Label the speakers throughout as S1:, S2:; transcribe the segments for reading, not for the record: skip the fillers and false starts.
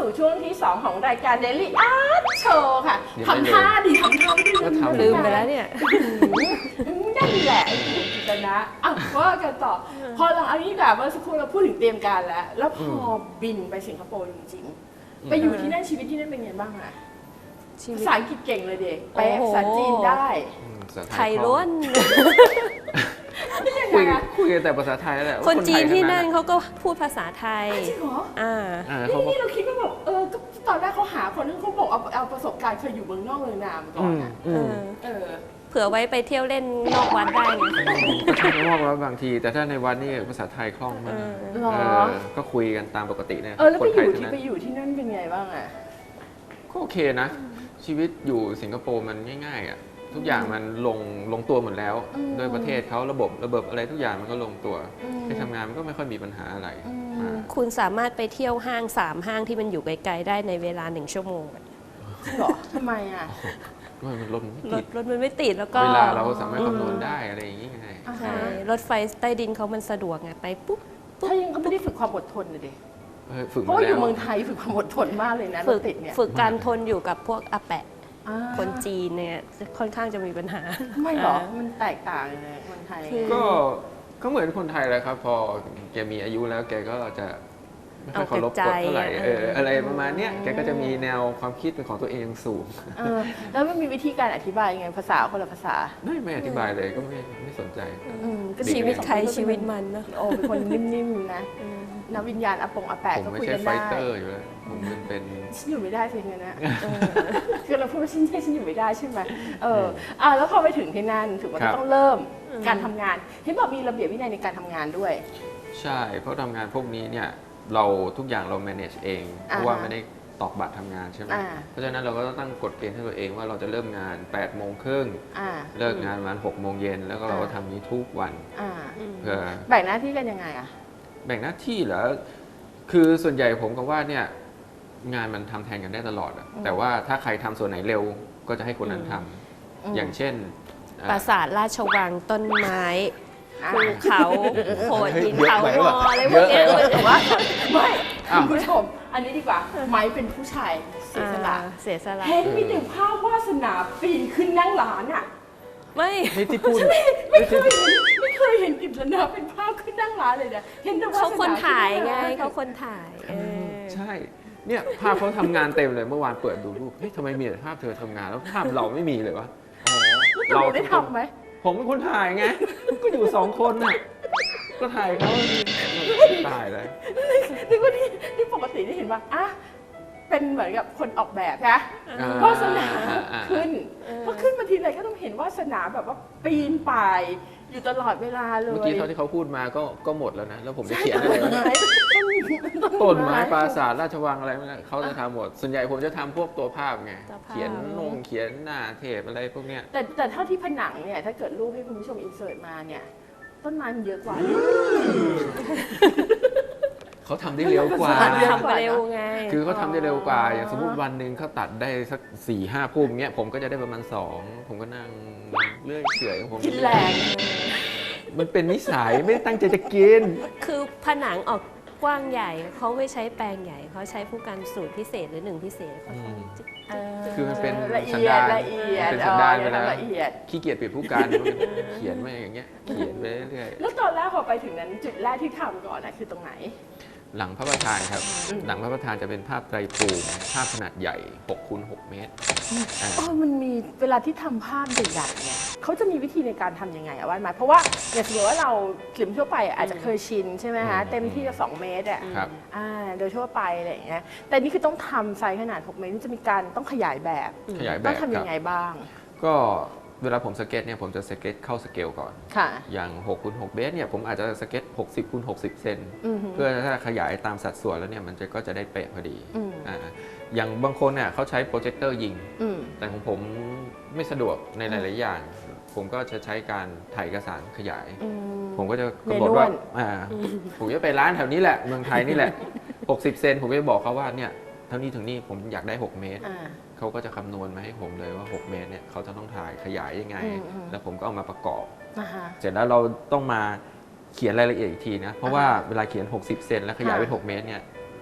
S1: สู่ช่วงที่ 2 ของรายการ Daily Art Show ค่ะทำท่าดิทำท่าไม่
S2: ลืมไปแล้วเนี่ย
S1: นั่นแหละคุณกิตนะว่ากันต่อพอหลังอันนี้แบบเมื่อสักครู่เราพูดถึงเตรียมการแล้วพอบินไปสิงคโปร์จริงๆไปอยู่ที่นั่นชีวิตที่นั่นเป็นไงบ้างอะภาษาอังกฤษเก่งเลยเด็กแปลภาษาจีนได้
S2: ไทยล้วน
S3: คุยแต่ภาษาไทยแหละ
S2: คนจีนที่นั่นเขาก็พูดภาษาไทย
S1: จริงเหรอ
S2: นี่
S1: เราคิดว่าแบบก็ตอนแรกเขาหาคนที่เขาบอกเอาประสบการณ์เคยอยู่เมืองนอกเมืองนามาก่อนนะ
S2: เผื่อไว้ไปเที่ยวเล่นนอกวัดได้ไง
S3: ก็ใช่นอกวัดบางทีแต่ถ้าในวัดนี่ภาษาไทยคล่องมากก็คุยกันตามปกติเนี่ย
S1: แล้วไปอยู่ที่นั่นเป็นไงบ้างอะ
S3: ก็โอเคนะชีวิตอยู่สิงคโปร์มันง่ายๆอ่ะทุกอย่างมันลงตัวหมดแล้วโดยประเทศเขาระบบอะไรทุกอย่างมันก็ลงตัวไปทำงานมันก็ไม่ค่อยมีปัญหาอะไร
S2: คุณสามารถไปเที่ยวห้าง3 ห้างที่มันอยู่ไกลๆได้ในเวลา1 ชั่วโมง
S1: หรอทำไมอ่ะ
S3: มันรถ
S2: มันไม่ติดแล้วก็
S3: เวลาเราสามารถคำนวณได้อะไรอย่างงี้ไง
S2: ใช่รถไฟใต้ดินเขามันสะดวกไงไปปุ๊บ
S1: ถ้ายังก็ไม่ได้ฝึกความอดทนเลยดิเพราะอยู่เมืองไทยฝึกความอดทนมากเลยนะรถติดเนี่ย
S2: ฝึกการทนอยู่กับพวกอาแปะคนจีนเนี่ยค่อนข้างจะมีปัญหา
S1: ไม่หรอมันแตกต่างเลยคนไทย
S3: ก็เหมือนคนไทยแหละครับพอแกมีอายุแล้วแกก็จะไม่ค่อยเคารพกฎเท่าไหร่อะไรประมาณนี้แกก็จะมีแนวความคิดเป็นของตัวเองสูง
S1: แล้วมันมีวิธีการอธิบายยังไงภาษาคนละภาษา
S3: ไม่อธิบายเลยก็ไม่สนใจ
S2: ก็ชีวิตใครชีวิตมันนะ
S1: เป็นคนนิ่มๆนะนักวิญญาณอาแปะก็คุยกันได้
S3: ผมไม่ใช่ไฟเตอร์อยู่แล้วผมเป็น
S1: ฉันอยู่ไม่ได้สิเนี่ยนะคือเราพูดว่าฉันอยู่ไม่ได้ใช่ไหมแล้วพอไปถึงที่นั่นถือว่าต้องเริ่มการทำงานเห็นบอกมีระเบียบวินัยในการทำงานด้วย
S3: ใช่เพราะทำงานพวกนี้เนี่ยเราทุกอย่างเรา manage เองเพราะว่าไม่ได้ตอกบัตรทำงานใช่ไหมเพราะฉะนั้นเราก็ต้องตั้งกฎเกณฑ์ให้ตัวเองว่าเราจะเริ่มงาน8 โมงครึ่งเลิกงานประมาณ6 โมงเย็นแล้วก็เราก็ทำนี้ทุกวัน
S1: เพื่อแบ่งหน้าที่กันยังไงอะ
S3: แบ่งหน้าที่เหรอคือส่วนใหญ่ผมก็ว่าเนี่ยงานมันทำแทนกันได้ตลอดแต่ว่าถ้าใครทำส่วนไหนเร็วก็จะให้คนนั้นทำอย่างเช่น
S2: ปราสาทราชวังต้นไม้ภูเขาโขดหินเขางออะไรพวกนี้
S1: แต่ว่าไม่คุณผู้ชมอันนี้ดีกว่าไม้เป็นผู้ชายเสียสละเห็นมีแต่ภาพวาสนาปีนขึ้นนั่งร้านอ่ะ
S2: ไม่
S3: ที่พูด
S1: ไม่เคยเห็นกิจนาเป็นภาพขึ้นนั่งร้านเลยนะเห็นแต่ว่า
S2: เขาคนถ่ายไงเขาคนถ่าย
S3: ใช่เนี่ยภาพเขาทำงานเต็มเลยเมื่อวานเปิดดูรูปเฮ้ยทำไมมีแต่ภาพเธอทำงานแล้วภาพเราไม่มีเลยวะ
S1: เราได้ทำไหม
S3: ผมเป็นคนถ่ายไงก็อยู่2 คนน่ะก็ถ่ายเขาตายเลย
S1: นึกว่าที่ปกติที่เห็นว่าเป็นเหมือนกับคนออกแบบนะวาสนาขึ้นพอขึ้นมาทีไรก็ต้องเห็นวาสนาแบบว่าปีนป่ายอยู่ตลอดเวลาเลย
S3: เมื่อกี้เท่าที่เขาพูดมาก็หมดแล้วนะแล้วผมจะเขียนอะไรต้นไม้ปราสาทราชวังอะไรเขาจะทำหมดส่วนใหญ่ผมจะทำพวกตัวภาพไงเขียนเขียนหน้าเทปอะไรพวกเนี้ย
S1: แต่เท่าที่ผนังเนี่ยถ้าเกิดรูปให้คุณผู้ชมอินเสิร์ตมาเนี่ยต้นไม้มันเยอะกว่า
S3: เขาทำได้เร็วกว่า
S2: ทำเร็วไง
S3: คือเขาทำได้เร็วกว่าอย่างสมมติวันหนึ่งเขาตัดได้สัก4-5 พุ่มเงี้ยผมก็จะได้ประมาณ2ผมก็นั่งเลื่อยเฉื่อยของผม
S1: กินแรง
S3: มันเป็นนิสัยไม่ได้ตั้งใจจะกิน
S2: คือผนังออกกว้างใหญ่เขาไม่ใช้แปลงใหญ่เขาใช้ผู้กันสูตรพิเศษหรือ1 พิเศษ
S3: คือมันเป็น
S1: สันดาน
S3: เป็นสันดานเวลาขี้เกียจเปลี่ยนผู้กันเขียนมาอย่างเงี้ยเขียนไปเรื่อย
S1: แล้วตอนแรกพอไปถึงนั้นจุดแรกที่ทำก่อนคือตรงไหน
S3: หลังพระประธานครับหลังพระประธานจะเป็นภาพไตรภูมิภาพขนาดใหญ่6x6 เมตร
S1: มันมีเวลาที่ทำภาพใหญ่ๆเนี่ยเขาจะมีวิธีในการทำยังไงอะว่าไหมเพราะว่าอย่างสมมติว่าเรากลิ่มทั่วไปอาจจะเคยชินใช่ไหมฮะเต็มที่ก็2 เมตรโดยทั่วไปอะไรอย่างเงี้ยแต่นี่คือต้องทำไซส์ขนาด6 เมตรนี่จะมีการต้องขยายแบบต้องทำยังไงบ้าง
S3: ก็เวลาผมสเก็ตเนี่ยผมจะสเก็ตเข้าสเกลก่อนอย่าง6x6 เมตรเนี่ยผมอาจจะสเก็ต60x60 เซนเพื่อถ้าขยายตามสัดส่วนแล้วเนี่ยมันก็จะได้เป๊ะพอดีอย่างบางคนเนี่ยเขาใช้โปรเจคเตอร์ยิงแต่ของผมไม่สะดวกในหลายๆอย่างผมก็จะใช้การถ่ายเอกสารขยายผมก็จะกำหนดว่าผมจะไปร้านแถวนี้แหละเมืองไทยนี่แหละ60 เซนผมจะบอกเขาว่าเนี่ยเท่านี้ถึงนี่ผมอยากได้6 เมตรเขาก็จะคำนวณมาให้ผมเลยว่า6 เมตรเนี่ยเขาจะต้องถ่ายขยายยังไงแล้วผมก็เอามาประกอบเสร็จแล้วเราต้องมาเขียนรายละเอียดอีกทีนะเพราะว่าเวลาเขียน60 เซนแล้วขยายเป็น6 เมตรเนี่ย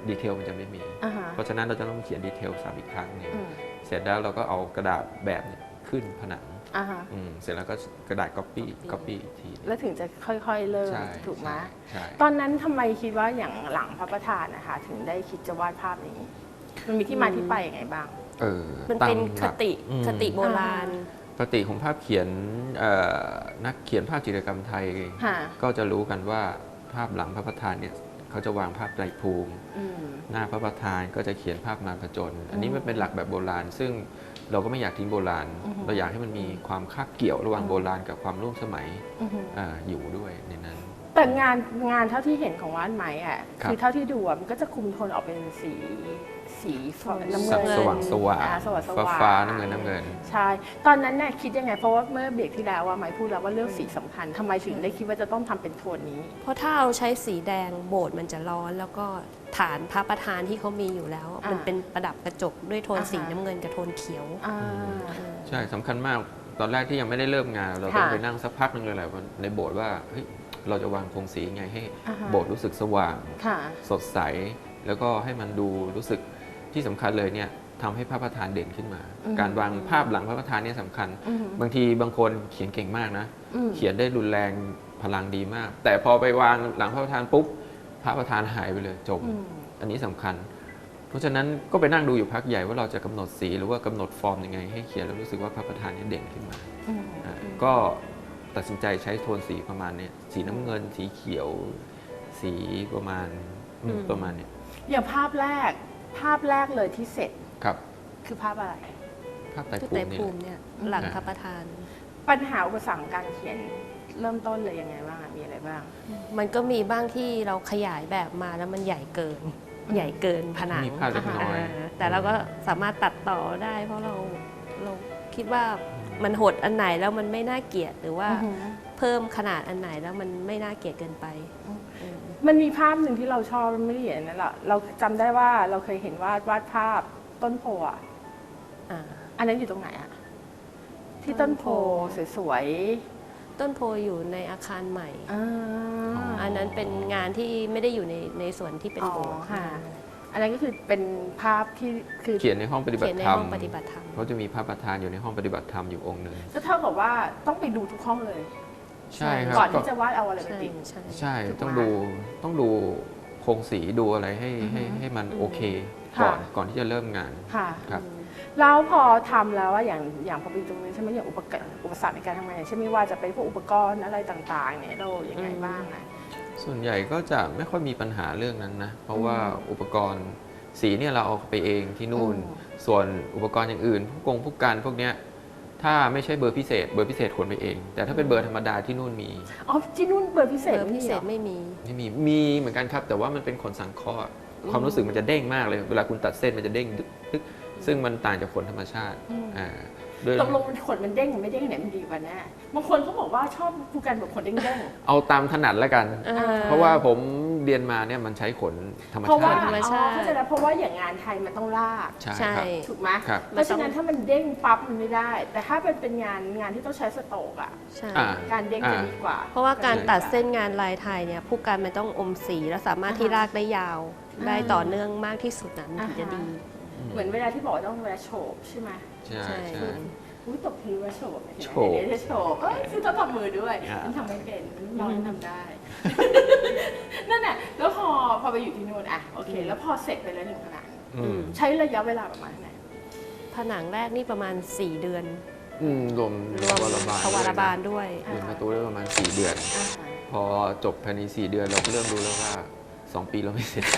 S3: ดีเทลมันจะไม่มี เพราะฉะนั้นเราจะต้องเขียนดีเทลซ้ำอีกครั้งหนึงเสร็จแล้วเราก็เอากระดาษแบบนี้ขึ้นผนังเสร็จแล้วก็กระดาษ copy อีกที
S1: แล้วถึงจะค่อยๆเริ่มถูกไหมตอนนั้นทำไมคิดว่าอย่างหลังพระประธานนะคะถึงได้คิดจะวาดภาพนี้มันมีที่มาที่ไปยังไงบ้าง
S2: มันเป็นคติโบราณ
S3: ปกติของภาพเขียนนักเขียนภาพจิตรกรรมไทยก็จะรู้กันว่าภาพหลังพระประธานเนี่ยเขาจะวางภาพไตรภูมิหน้าพระประธานก็จะเขียนภาพมารผจญอันนี้มันเป็นหลักแบบโบราณซึ่งเราก็ไม่อยากทิ้งโบราณเราอยากให้มันมีความคาบเกี่ยวระหว่างโบราณกับความร่วมสมัยอยู่ด้วยในนั้น
S1: แต่งานเท่าที่เห็นของว่านไหมอ่ะคือเท่าที่ดูมันก็จะคุมโทนออกเป็นสีน้ำเงิน
S3: สว่างฟ้าน้ำเงิน
S1: ใช่ตอนนั้นเนี่ยคิดยังไงเพราะว่าเมื่อเบรกที่แล้วว่าไหมพูดแล้วว่าเรื่องสีสำคัญทำไมถึงได้คิดว่าจะต้องทำเป็นโทนนี้
S2: เพราะถ้าเราใช้สีแดงโบสถ์มันจะร้อนแล้วก็ฐานพระประธานที่เขามีอยู่แล้วมันเป็นประดับกระจกด้วยโทนสีน้ำเงินกับโทนเขียว
S3: ใช่สำคัญมากตอนแรกที่ยังไม่ได้เริ่มงานเราต้องไปนั่งสักพักนึงเลยแหละในโบสถ์ว่าเฮ้ยเราจะวางโครงสียังไงให้โบสถ์รู้สึกสว่างสดใสแล้วก็ให้มันดูรู้สึกที่สำคัญเลยเนี่ยทำให้พระประธานเด่นขึ้นมาการวางภาพหลังพระประธานเนี่ยสำคัญบางทีบางคนเขียนเก่งมากนะเขียนได้รุนแรงพลังดีมากแต่พอไปวางหลังพระประธานปุ๊บพระประธานหายไปเลยจมอันนี้สำคัญเพราะฉะนั้นก็ไปนั่งดูอยู่พักใหญ่ว่าเราจะกำหนดสีหรือว่ากำหนดฟอร์มยังไงให้เขียนแล้วรู้สึกว่าพระประธานเนี่ยเด่นขึ้นมาก็ตัดสินใจใช้โทนสีประมาณนี้สีน้ำเงินสีเขียวสีประมาณนี้
S1: อย่างภาพแรกเลยที่เสร็จ
S3: ครับ
S1: คือภาพอะไร
S3: ภาพไตรภูมิ
S2: เนี่ยหลังพระประธาน
S1: ปัญหาอุปสรรคการเขียนเริ่มต้นเลยยังไงบ้างมีอะไรบ้าง
S2: มันก็มีบ้างที่เราขยายแบบมาแล้วมันใหญ่เกินผนัง
S3: มีภาพเล็กน้อย
S2: แต่เราก็สามารถตัดต่อได้เพราะเราคิดว่ามันหดอันไหนแล้วมันไม่น่าเกลียดหรือว่าเพิ่มขนาดอันไหนแล้วมันไม่น่าเกลียดเกินไป
S1: มันมีภาพหนึ่งที่เราชอบไม่ได้เห็นนั่นแหละเราจำได้ว่าเราเคยเห็นวาดภาพต้นโพอันนั้นอยู่ตรงไหนอะที่ต้นโพสวย
S2: ๆต้นโพอยู่ในอาคารใหม่อันนั้นเป็นงานที่ไม่ได้อยู่ในส่วนที่เป็นโบสถ์
S1: อันนั้นก็คือเป็นภาพที่คือ
S3: เขียนในห้องปฏิบัติธรรมเขาจะมีพระประธานอยู่ในห้องปฏิบัติธรรมอยู่องค์หนึ่ง
S1: ก็เท่ากับว่าต้องไปดูทุกห้องเลย
S3: ใช่ครับ
S1: ก่อนที่จะวาดเอาอะไรไปติด
S3: ใช่ต้องดูโครงสีดูอะไรให้มันโอเคก่อนที่จะเริ่มงาน
S1: ครับแล้วพอทำแล้วว่าอย่างพอไปตรงนี้ใช่ไหมอย่างอุปสรรคในการทำงานอย่างเช่นไม่ว่าจะเป็นพวกอุปกรณ์อะไรต่างๆเนี่ยเราอย่างไรบ้างนะ
S3: ส่วนใหญ่ก็จะไม่ค่อยมีปัญหาเรื่องนั้นนะเพราะว่าอุปกรณ์สีเนี่ยเราเอาไปเองที่นู่นส่วนอุปกรณ์อย่างอื่นพวกกันพวกเนี้ยถ้าไม่ใช่เบอร์พิเศษขนไปเองแต่ถ้าเป็นเบอร์ธรรมดาที่นู่นมี
S1: ที่นู่นเบอร์พิเศษ
S2: ไม่มี
S3: เหมือนกันครับแต่ว่ามันเป็นขนสังเคราะห์ความรู้สึกมันจะเด้งมากเลยเวลาคุณตัดเส้นมันจะเด้งดึกซึ่งมันต่างจากขนธรรมชาติ
S1: ตกลงขนมันเด้งหรือไม่เด้งไหนมันดีกว่าแน่บางคนเขาบอกว่าชอบผูกกันแบบขนเด้ง
S3: ๆเอาตามถนัดแล้วกันเพราะว่าผมเรียนมาเนี่ยมันใช้ขนธรรมชาติ
S1: เข้าใจแล้วเพราะว่าอย่างงานไทยมันต้องลาก
S3: ใช่
S1: ถูกไหมเพราะฉะนั้นถ้ามันเด้งปั๊บมันไม่ได้แต่ถ้าเป็นงานที่ต้องใช้สโตรกอ่ะการเด้งจะดีกว่า
S2: เพราะว่าการตัดเส้นงานลายไทยเนี่ยผู้การมันต้องอมสีและสามารถที่ลากได้ยาวได้ต่อเนื่องมากที่สุดนั้นถึงจะดี
S1: เหมือนเวลาที่บอกต้องเวลาโฉบใช่ไหม
S3: ใช่
S1: ตบทีว่าโฉบโฉบคือต้องทำมือด้วยมันทำไม่เป็นน้องทำได้นั่นแหละแล้วพอไปอยู่ที่นู่นอ่ะโอเคแล้วพอเสร็จไปแล้ว1 ผนังใช้ระยะเวลาประมาณไหน
S2: ผนังแรกนี่ประมาณ4 เดือน
S3: รวม
S2: ทวารบาลด้วย
S3: รวมประตูได้ประมาณ4 เดือนพอจบภายใน4 เดือนเราก็เริ่มรู้แล้วว่า2 ปีเราไม่เสร็จ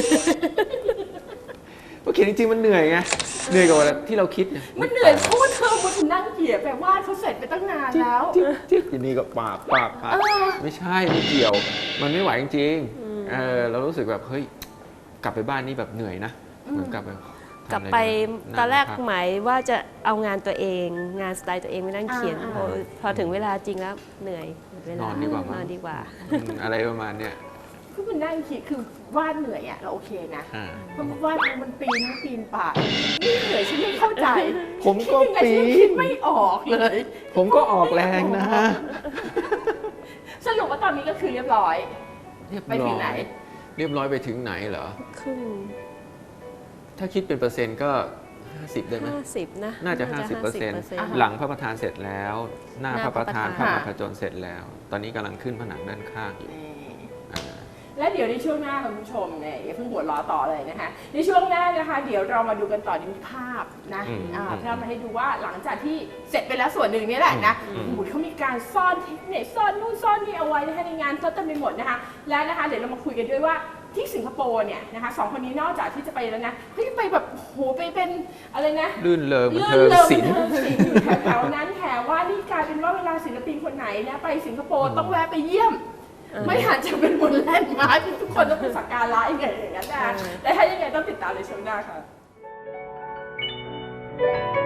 S3: เพราะเขียนจริงๆมันเหนื่อยไงเหนื่อยกว่าที่เราคิด
S1: มันเหนื่อยเพราะว่าเธอมันนั่งเขียนแปลว่าเขาเสร็จไปตั้งนานแล้ว
S3: ทีนี้ก็ปาบไม่ใช่ไม่เกี่ยวมันไม่ไหวจริงๆเรารู้สึกแบบเฮ้ยกลับไปบ้านนี่แบบเหนื่อยนะเหมือนกลับ
S2: ไปตอนแรกหมายว่าจะเอางานตัวเองงานสไตล์ตัวเองไปนั่งเขียนพอถึงเวลาจริงแล้วเหนื่อย
S3: นอนดีกว่าอะไรประมาณเนี้ย
S1: คือมันนั่งคิดคือวาดเหนื่อยอ่ะเราโอเคนะเพราะวาดมันปีนป่านี่เหนื่อยฉันไม่เข้าใจ
S3: ผมก็
S1: คิดไม่ออกเลย
S3: ผมก็ออกแรงนะ
S1: สรุปว่าตอนนี้ก็คือเรียบร้อยไปถึงไหน
S3: เรียบร้อยไปถึงไหนเหรอ
S2: ครึ่ง
S3: ถ้าคิดเป็นเปอร์เซ็นต์ก็ 50 ได้ไหม
S2: 50 นะ
S3: น่าจะ 50%หลังพระประธานเสร็จแล้ว หน้าพระประธานพระมหาจนเสร็จแล้ว ตอนนี้กำลังขึ้นผนังด้านข้างอยู่
S1: และเดี๋ยวในช่วงหน้าคุณผู้ชมเนี่ยอย่าเพิ่งหัวเราะต่อเลยนะคะในช่วงหน้านะคะเดี๋ยวเรามาดูกันต่อในภาพนะภาพมาให้ดูว่าหลังจากที่เสร็จไปแล้วส่วนหนึ่งนี่แหละนะเขามีการซ่อนเทคนิคซ่อนนู่นซ่อนนี่เอาไว้นะคะในงานก็เต็มไปหมดนะคะและนะคะเดี๋ยวเรามาคุยกันด้วยว่าที่สิงคโปร์เนี่ยนะคะ2 คนนี้นอกจากที่จะไปแล้วนะเขาไปแบบโหไปเป็นอะไรนะ
S3: ลื่นเริงบันเทิงศิลป์
S1: อยู่แถวๆนั้นแถวว่านี่กลายเป็นว่าเวลาศิลปินคนไหนนะไปสิงคโปร์ต้องแวะไปเยี่ยมไม่อาจจะเป็นบนแลนด์มาร์คที่ทุกคนต้องไปสักการะอย่างนั้นนะและถ้ายังไงต้องติดตามในช่วงหน้าค่ะ